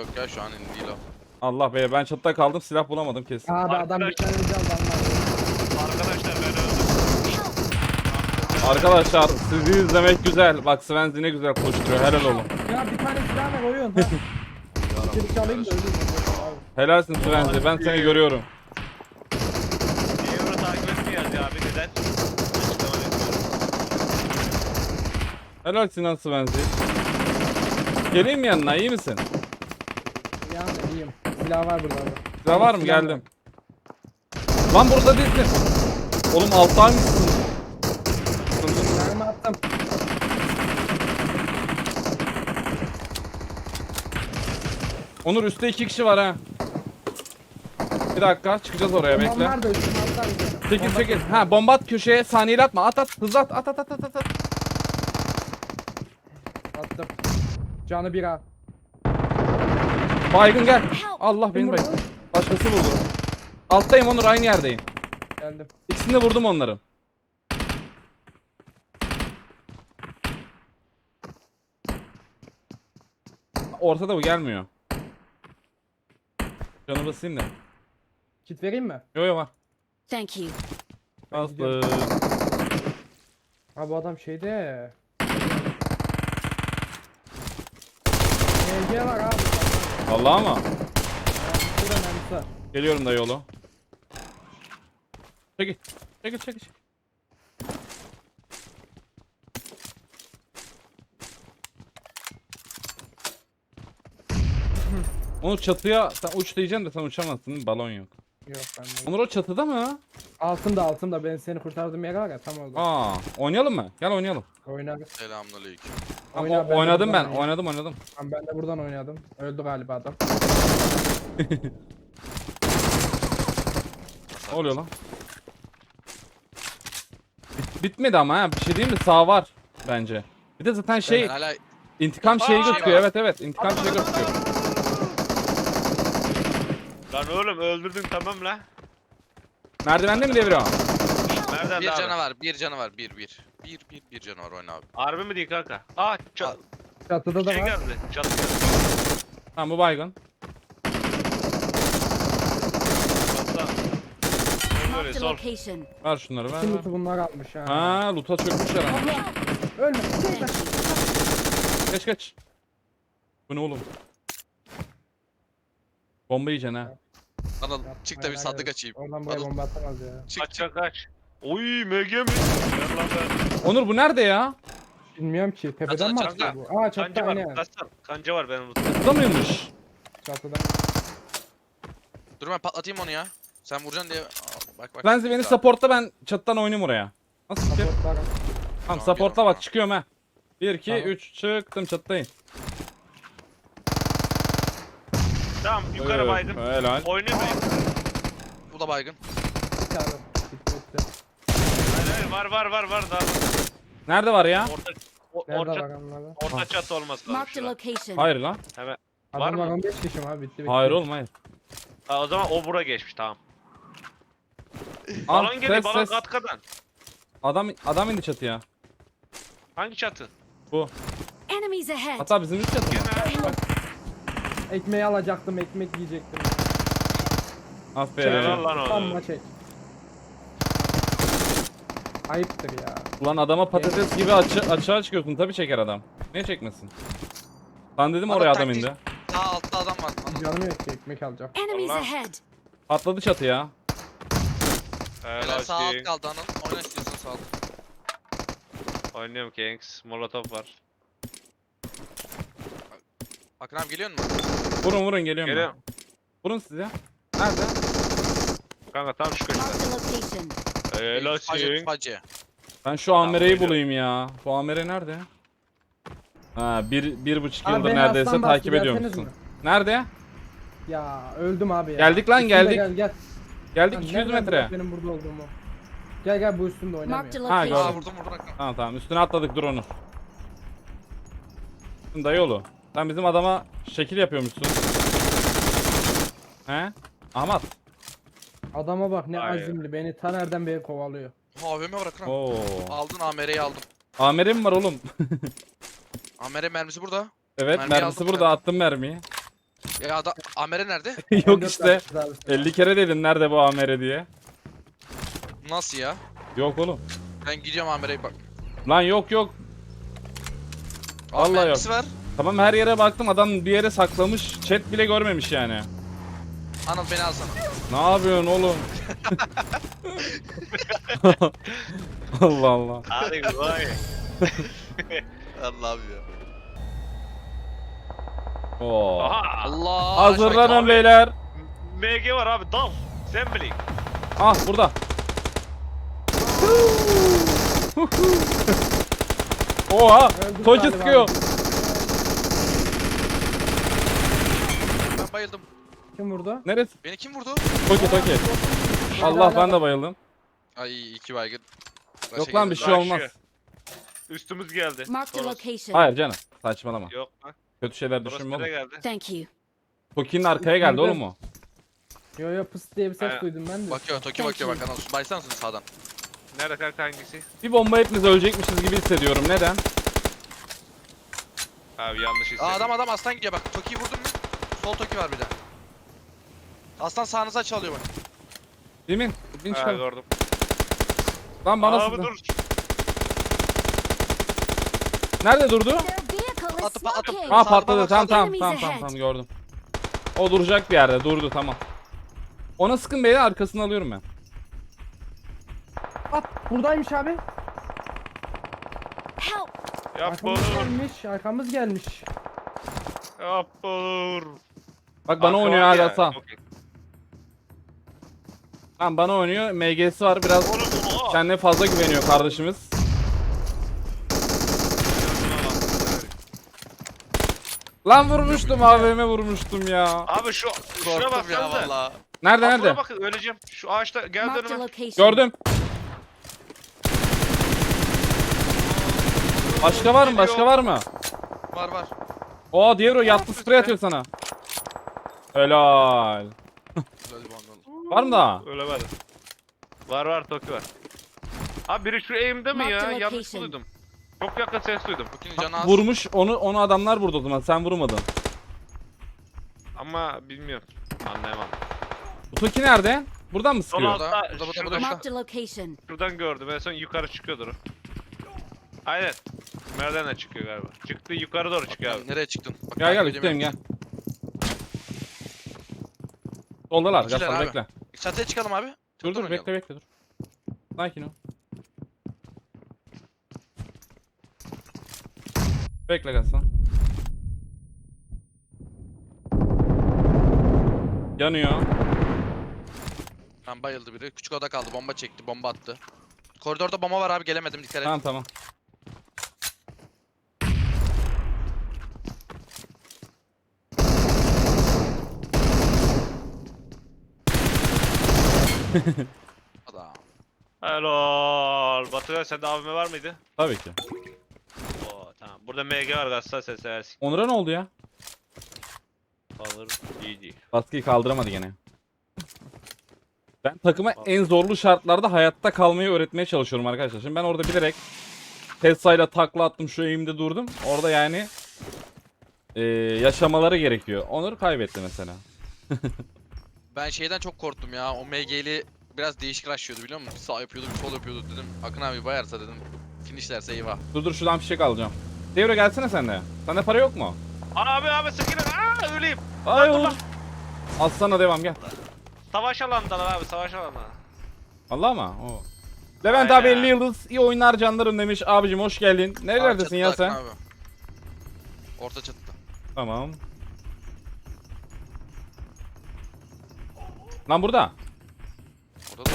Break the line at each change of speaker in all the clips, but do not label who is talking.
Yok ya şu an indi değil o.
Allah be, ben çatıda kaldım, silah bulamadım kesin.
Abi adam bir tane can var.
Arkadaşlar ben öldüm.
Arkadaşlar sizi izlemek güzel. Bak Svenzi ne güzel koşturuyor, helal olun.
Ya bir tane silah ver oyun ha. Bir çalayım da öleyim. Abi.
Helalsin Svenzi, ben seni görüyorum.
Niye bunu takip etmiyoruz ya abi neden? Açıklama bekliyorum.
Helal Sinan Svenzi. Geleyim mi yanına, iyi misin?
Ya iyiyim. Silah var burada abi.
Silah var mı? Geldim. Lan burada değilsin. Oğlum alttaymışsın.
Silahımı attım.
Onur üstte 2 kişi var ha. Bir dakika çıkacağız oraya, bekle.
Onlar da üstüme atlar bize.
Çekil çekil. Ha, bomba at köşeye, saniyeli atma. At at, hızlı at at at at at.
Attım. Canı bir ha.
Baygın gel. Allah beni
Kim
baygın.
vurdu?
Başkası vurdu. Alttayım Onur, aynı yerdeyim.
Geldim.
İkisini de vurdum onların. Ortada bu gelmiyor. Canı basayım da.
Kit vereyim mi?
Yo yo var.
Thank you.
Bastı.
Ha bu adam şeyde. MG var abi.
Allah ama.
Şurada mermisi var.
Geliyorum da yolu. Çekil. Çekil çekil. Onu çatıya sen uç diyeceksin de sen uçamazsın, balon yok.
Yok bende.
Onur o çatıda mı?
Altımda ben seni kurtardığım yer var ya tam orada.
Aa, oynayalım mı? Gel oynayalım.
Oynarız.
Selamünaleyküm.
Tamam,
Oyna, ben de
oynadım
buradan
ben. Oynadım.
Tamam, ben de buradan oynadım. Öldü galiba adam.
Ne oluyor lan? Bitmedi ama ha. Bir şey diyeyim mi? Sağ var bence. Bir de zaten şey
Ben hala
intikam şeyi
Aa,
gözüküyor.
var.
Evet intikam şeyi gözüküyor.
Lan oğlum öldürdün tamam la.
Merdivende mi devriyor?
Nereden
bir
abi?
canavar, bir canavar, bir canavar oyna abi.
Harbi mi değil kanka? Aa
Çatıda da
şey
var.
geldi. Çatı geldi.
Tamam bu baygın.
Çatıda. Böyle
Marked a
sol.
location.
Ver şunları ver.
Şimdi
ver.
bunlar almış ha.
Ha, loot'a çökmüşler ama.
Allah! Ölme.
Thank you.
Geç. Bu ne oğlum? Bomba yiyeceksin ha.
Anıl çık da bir sandık açayım.
Oradan buraya
Anıl
bomba atamaz ya.
çık
Kaç
çık.
kaç. Oy MG mi? Ver lan ben.
Onur bu nerede ya?
Bilmiyorum ki. Tepeden mi
Çatıda,
atıyor bu? Aa çatıda
Kanca var.
aynen.
Kaçsana. Kanca var benim lootumda.
Burada mıymış?
Çatıda.
Dur ben patlatayım onu ya. Sen vuracaksın diye. Aa, bak.
Lenzi beni supportla, ben çatıdan oynayayım oraya. Nasıl fikir?
Supportlar.
Tamam
Tamam,
supportla
gel
bak,
o
çıkıyorum ha. 1 2
Tamam.
3 çıktım, çatıdayım.
Tamam yukarı baydım.
Helal.
Oynamayın.
Bu da baygın.
Bir tane. Bitti.
Hayır var daha.
Nerede var ya?
Nerede var
Orta
onlarda?
orta çatı olması lazım.
Marked a
şurada.
location.
Hayır lan.
Hemen. Var
Adamlar
mı?
15 kişi mi abi? Bitti.
Hayır oğlum hayır.
Ha, o zaman o bura geçmiş tamam.
Al,
Balon geliyor
ses,
balon
ses.
katkadan.
Adam indi çatıya.
Hangi çatı?
Bu.
Enemies ahead.
Hatta bizim üst çatı mı?
Gene.
Ekmeği alacaktım, ekmek yiyecektim.
Aferin.
Helal lan
Tam
onu.
maç çek. Ayıptır ya.
Ulan adama patates gibi açığa çıkıyorsun, tabi çeker adam. Niye çekmesin? Ben dedim
Adam
oraya adam
taktik-
indi.
Sağ altta adam var. Anıl.
Canım yok ki ekmek alacağım.
Enemies
Allah.
ahead.
Atladı çatıya.
Beyler sağ alt
Helal
kaldı Anıl. Oyna istiyorsan sağ alt.
Oynuyorum Kings. Molotov var.
Akın abi geliyor musun?
Vurun geliyorum ben.
Geliyorum.
Vurun siz ya. Nerede?
Kanka tam şu köşede.
Marked a location.
Helal
Facı,
King.
facı.
Ben şu Amere'yi
geliyorum.
bulayım ya. Bu Amere nerede? Ha, bir buçuk
Abi
yıldır
beni
neredeyse
aslan bastı,
takip ediyor
gelseniz
musun?
mi?
Nerede?
Ya öldüm abi ya.
Geldik lan,
Üstümde
geldik.
Gel gel.
Geldik
Lan
200
nereden
metre.
biliyorsun benim burada olduğumu? Gel bu üstümde
Marked a
oynamıyor.
Ha,
Aa
gördüm.
location.
vurdum Akın.
Tamam üstüne atladık, dur onu. Dayı yolu. Sen bizim adama şekil yapıyormuşsun. He? Ahmet.
Adama bak ne
Ay.
azimli, beni ta nereden beri kovalıyor.
AVM var Akın abi.
Oo.
Aldın AMR'yi aldım.
Amere mi var oğlum?
AMR mermisi burada.
Evet
Mermiyi
mermisi
aldım
burada,
ben.
attım mermiyi.
Ya adam Amere nerede?
Yok
M4
işte.
yapmışız abi sana.
50 kere dedin nerede bu Amere diye.
Nasıl ya?
Yok oğlum.
Ben gidiyorum Amere'ye bak.
Lan yok yok.
Abi
Vallahi yok.
mermisi var.
Tamam her yere baktım adam bir yere saklamış. Chat bile görmemiş yani.
Anıl beni alsana.
Ne yapıyorsun oğlum? Allah Allah.
Hadi vay.
Allah'ım ya.
Oo.
Aha.
Allah.
Hazırlanın
abi.
beyler.
MG var abi dal. Sen bilin.
Ah burada. Oha.
Öldük
Toki
galiba
sıkıyor.
abi.
Ben bayıldım.
Kim vurdu?
Neresi?
Beni kim vurdu?
Toki Toki. Allah ben de bayıldım.
Ay iki baygın. Başa
Yok lan bir
geldim.
şey
Rush
olmaz.
ya. Üstümüz geldi.
Marked a
Toros.
location.
Hayır canım. Saçmalama.
Yok lan.
Kötü şeyler
Toros
düşünme
nereye
oğlum.
geldi?
Thank you.
Toki'nin arkaya geldi oğlum o.
Yo yo pıs diye bir ses
Aynen.
duydum ben de.
Bakıyor Toki
Thank
bakıyor
you.
bak Anıl. Baysana sağdan.
Nerede kanka hangisi?
Bir bomba hepimiz ölecekmişiz gibi hissediyorum. Neden?
Abi yanlış hissettim.
Aa adam aslan gidiyor bak. Toki'yi vurdun mu? Sol Toki var bir de. Aslan sağınıza çalıyor bak.
Emin. Bin
Ha,
çıkar.
gördüm.
Lan bana
Abi
sıktı.
dur.
Nerede durdu?
Their vehicle is
Atıp- atıp-
smoking.
Ha
Sağda
patladı.
bak,
Tamam
sağda.
tamam tamam tamam tamam gördüm. O duracak bir yerde. Durdu tamam. Ona sıkın beyler arkasını alıyorum ben.
At buradaymış abi.
Help!
Yapma
Arkamız
olur.
gelmiş. Arkamız gelmiş.
Yapma olur.
Bak bana
Arka
oynuyor
var
hala
ya,
sağ.
çok iyi.
Tamam bana oynuyor. MG'si var biraz.
Oğlum, oha.
Kendine fazla güveniyor kardeşimiz. Lan vurmuştum AVM vurmuştum ya.
Abi şuna bak
Korktum ya valla.
Nerede
Nerede?
nerede?
Bakın öleceğim. Şu ağaçta geldi
Marked a
önüme.
location.
Gördüm. Başka var mı? Başka var mı?
Var var.
Oo diğer o yattı sprey atıyor sana. Helal.
Güzel bir bandol.
Var mı daha?
Ölemedi. Var Toki var. Abi biri şu eğimde mi ya?
Marked
Yanlış
location.
duydum. Çok yakın ses duydum.
Toki'nin canı az.
Vurmuş onu adamlar vurdu o zaman sen vurmadın.
Ama bilmiyorum. Anlayamadım.
Bu Toki nerede? Buradan mı
Son
sıkıyor?
Burada,
altta
burada,
şurada,
burada.
Marked a location.
şuradan gördüm. En son yukarı çıkıyordur o. Aynen. Merdivenle çıkıyor galiba. Çıktı yukarı doğru çıkıyor abi.
Nereye çıktın? Bak,
Gel gel
takip
üstteyim
edemiyorum.
gel. Soldalar
İkiler
Gaston
abi.
bekle.
Çatıya çıkalım abi.
Dur
Çatıdan
dur
oynayalım.
bekle dur. Sakin ol. Bekle Gaston. Yanıyor.
Tamam bayıldı biri. Küçük oda kaldı. Bomba çekti. Bomba attı. Koridorda bomba var abi. Gelemedim. Dikkat et.
Tamam tamam.
Adam.
Helal. Batıray sende AVM var mıydı?
Tabii ki.
Oo tamam. Burada MG var gazsa sen seversin.
Onur'a ne oldu ya?
Alır. GG.
Baskıyı kaldıramadı gene. Ben takıma en zorlu şartlarda hayatta kalmayı öğretmeye çalışıyorum arkadaşlar. Şimdi ben orada bilerek Tesla'yla takla attım şu eğimde durdum. Orada yani yaşamaları gerekiyor. Onur kaybetti mesela.
Ben şeyden çok korktum ya. O MG'li biraz değişik rushlıyordu biliyor musun? Bir sağ yapıyordu, bir sol yapıyordu dedim. Akın abi bayarsa dedim. Finishlerse eyvah.
Dur şuradan fişek alacağım. Devre gelsene sen de. Sende para yok mu?
Abi sıkın. Aa öleyim.
Ay
dur
olur.
lan.
Aslan'a devam gel.
Savaş alanındalar abi savaş alanında.
Allah mı? Oo. Levent
Aynen.
abi 50 yıldız. İyi oyunlar canlarım demiş. Abicim hoş geldin. Nerelerdesin
Aa,
ya
çatıda
sen?
Akın abi. Orta çatıda.
Tamam. Lan burada.
Orada da.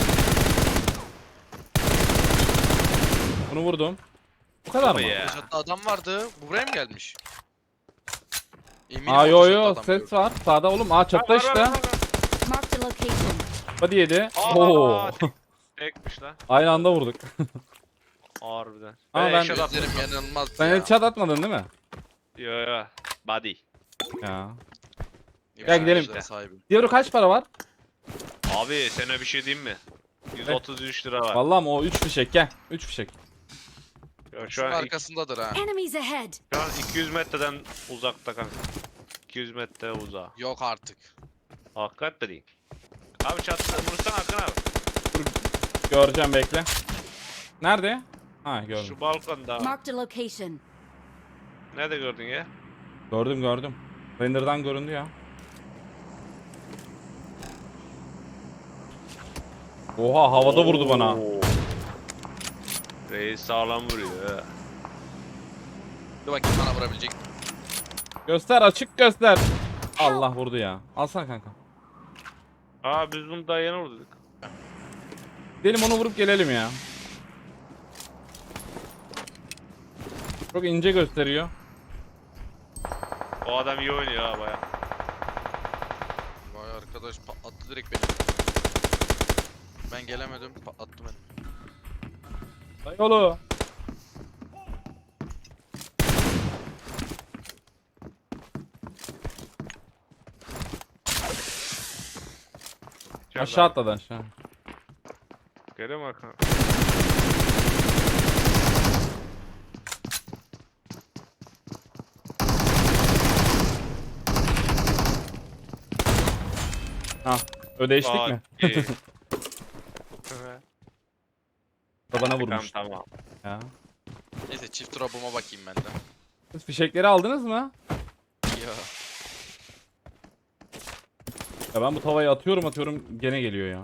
Bunu vurdum. Bu kadar mı?
Ya.
Orta çatıda adam vardı. Bu buraya mı gelmiş? Eminim
Aa
orta
yo
çatıda
yo
adam
ses
gördüm.
var. Sağda oğlum. Aa çatıda işte.
Marked a location.
Hadi yedi.
Aa,
Oo.
Tekmiş lan.
Aynı anda vurduk.
Harbiden.
Ama ben-
eşya atmadım.
Gözlerim yanılmaz
Sen
ya.
headshot atmadın değil mi?
Yo. Body.
Ya.
Efsane
gidelim.
işlere sahibi.
Diğeri kaç para var?
Abi sana bir şey diyeyim mi? 133 lira var.
Vallahi mı o 3 fişek gel. 3 fişek.
Şu
Şunun
an,
arkasındadır ha.
Enemies ahead.
şu an 200 metreden uzakta kanka. 200 metre uzağa.
Yok artık.
Hakikat de değil. Abi çatıda vursan Akın abi.
Göreceğim bekle. Nerede? Ha gördüm.
Şu balkonda.
Marked a location.
Nerede gördün ya?
Gördüm. Render'dan göründü ya. Oha havada vurdu bana.
Oo. Reis sağlam vuruyor ha.
Dur bakayım bana vurabilecek.
Göster açık göster. Allah vurdu ya. Alsana kanka.
Aa biz bunu daha yeni vurduk.
Gidelim onu vurup gelelim ya. Çok ince gösteriyor.
O adam iyi oynuyor ha baya.
Vay arkadaş patlattı direkt beni. Ben gelemedim patlattı beni.
Dayıoğlu. Aşağı atladı aşağı.
Görüyor musun Akın?
Ha, ödeştik mi?
Okey.
Da bana
Tamam
vurmuş.
tamam.
Ya.
Neyse çift drop'uma bakayım ben de.
Siz fişekleri aldınız mı?
Ya.
Ya ben bu tavayı atıyorum gene geliyor ya.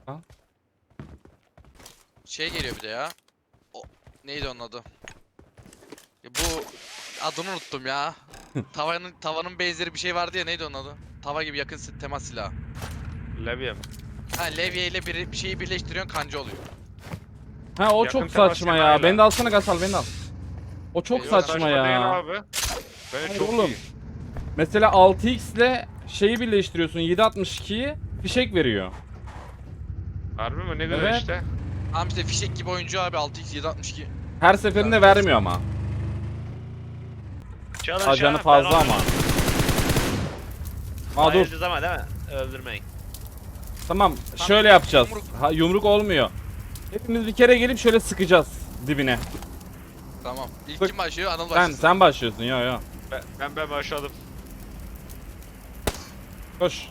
Şey geliyor bir de ya. O, neydi onun adı? Ya bu adını unuttum ya. Tavanın benzeri bir şey vardı ya, neydi onun adı? Tava gibi yakın temas silahı.
Levye mi?
Ha, levye ile bir şeyi birleştiriyorsun, kanca oluyor.
Ha o
Yakın
çok
temas
saçma ya.
silahıyla.
Beni de alsana Gasal beni de al. O çok
Eyvallah.
saçma
Saçma değil
ya.
abi. Beni
Hayır
çok
oğlum.
iyi.
Mesela 6x ile şeyi birleştiriyorsun 7.62'yi fişek veriyor.
Harbi mi? Ne güzel
Evet.
işte.
Tamam işte fişek gibi oyuncu abi, 6x 762.
Her seferinde vermiyor ama.
Çalın
Ajanı
ben
fazla ama.
oynuyorum.
Aa dur.
Hayırdır ama değil mi? Öldürmeyin.
Tamam şöyle yapacağız.
yumruk.
Ha, yumruk olmuyor. Hepimiz bir kere gelip şöyle sıkacağız dibine.
Tamam. İlk
Bak,
kim başlıyor? Anıl başlasın.
Sen başlıyorsun yo.
Ben başladım.
Koş.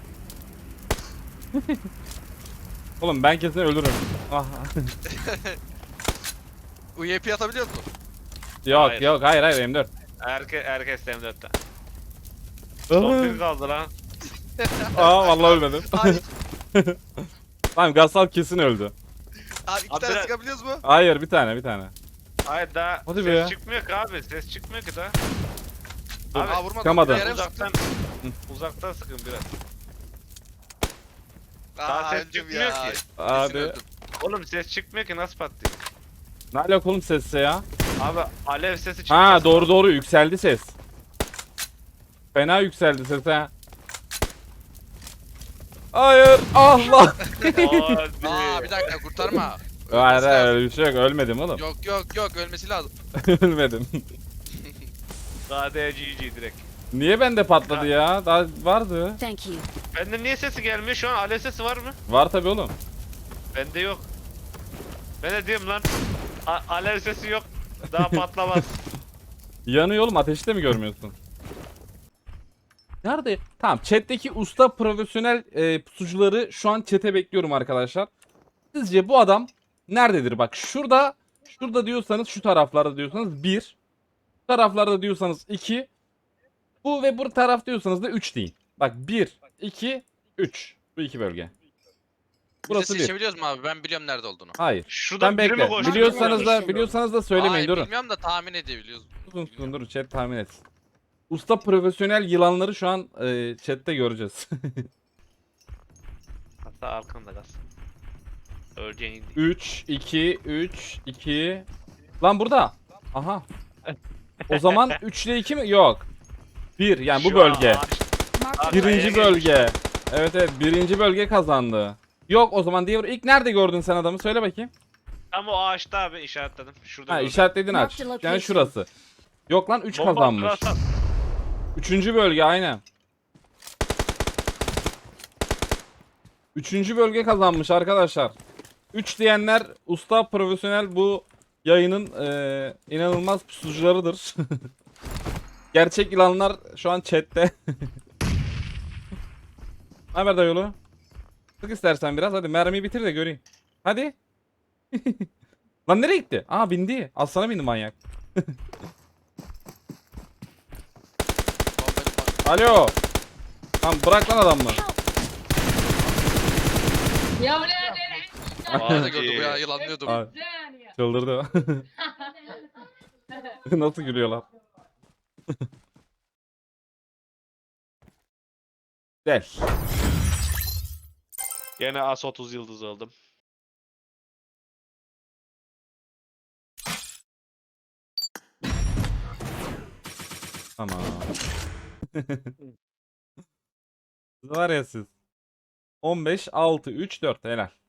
Oğlum ben kesin ölürüm. Ah.
UYP atabiliyor musun?
yok
Hayır.
yok hayır M4.
Herkes M4'te. Son bir kaldı lan.
Aa vallahi ölmedim.
Abi,
Tamam Gasal kesin öldü.
abi iki
Abi
tane
biraz-
sıkabiliyoruz mu?
Hayır bir tane.
Hayır daha
Hadi
ses
be ya.
çıkmıyor ki abi. Ses çıkmıyor ki daha.
Aa,
Abi
vurmadım.
sıkamadı.
Bir yere mi sıktın?
uzaktan sıkın biraz.
Aa,
Daha ses
öldüm
çıkmıyor
ya.
ki.
Kesin
Abi
öldüm.
Oğlum ses çıkmıyor ki nasıl patlıyor?
ne alaka oğlum sesse ya?
Abi alev sesi çıkıyor.
Ha doğru yükseldi ses. Fena yükseldi ses ha. Hayır Allah.
Aa, bir dakika kurtarma.
Hayır
Ölmesi
hayır
lazım.
öyle bir şey yok ölmedim oğlum.
Yok ölmesi lazım.
Ölmedim.
KDGG direkt.
Niye bende patladı ya? Daha vardı.
Thank you.
Bende niye sesi gelmiyor? Şu an alev sesi var mı?
Var tabi oğlum.
Bende yok. Ben de diyorum lan. Alev sesi yok. Daha patlamaz.
Yanıyor oğlum ateşte mi görmüyorsun? Nerede? Tamam chat'teki usta profesyonel pusucuları şu an chat'e bekliyorum arkadaşlar. Sizce bu adam nerededir? Bak şurada diyorsanız şu taraflarda diyorsanız 1. Bu taraflarda diyorsanız 2. Bu ve bu taraf diyorsanız da 3 deyin. Bak 1, 2, 3. Bu iki bölge.
Burası
Burası bir.
seçebiliyoruz mu abi? Ben biliyorum nerede olduğunu.
Hayır.
Şuradan
Sen
biri mi
bekle.
koştu?
Biliyorsanız da söylemeyin
Hayır,
durun.
bilmiyorum da tahmin edebiliyoruz.
Durun chat tahmin et. Usta profesyonel yılanları şu an chatte göreceğiz.
Hatta arkanda gaz. Öleceğin.
3, 2. Lan burada. Aha. O zaman 3 ile 2 mi? Yok. 1 yani bu
Şu an
bölge.
Marked a
Arkaya
Birinci
geçmiş.
bölge. Evet birinci bölge kazandı. Yok o zaman diğer ilk nerede gördün sen adamı söyle bakayım.
Tam o ağaçta abi işaretledim. Şurada
Ha
gördüm.
işaretledin aç.
Mark the location.
Yani şurası. Yok lan 3
Bomba
kazanmış.
attılar.
Üçüncü bölge aynen. Üçüncü bölge kazanmış arkadaşlar. 3 diyenler usta profesyonel bu yayının inanılmaz pusucularıdır. Gerçek yılanlar şu an chatte. Ne haber dayıoğlu? Sık istersen biraz, hadi mermiyi bitir de göreyim. Hadi. Lan nereye gitti? Aa bindi. Aslana bindi manyak. Alo. Lan bırak lan adamı.
Ya buraya
Bana da gördü bu ya yılanlıyordu bu.
Aa, çıldırdı. Nasıl gülüyorlar? Gel.
Gene as 30 yıldız aldım.
Tamam. Siz var ya siz. 15, 6, 3, 4 helal.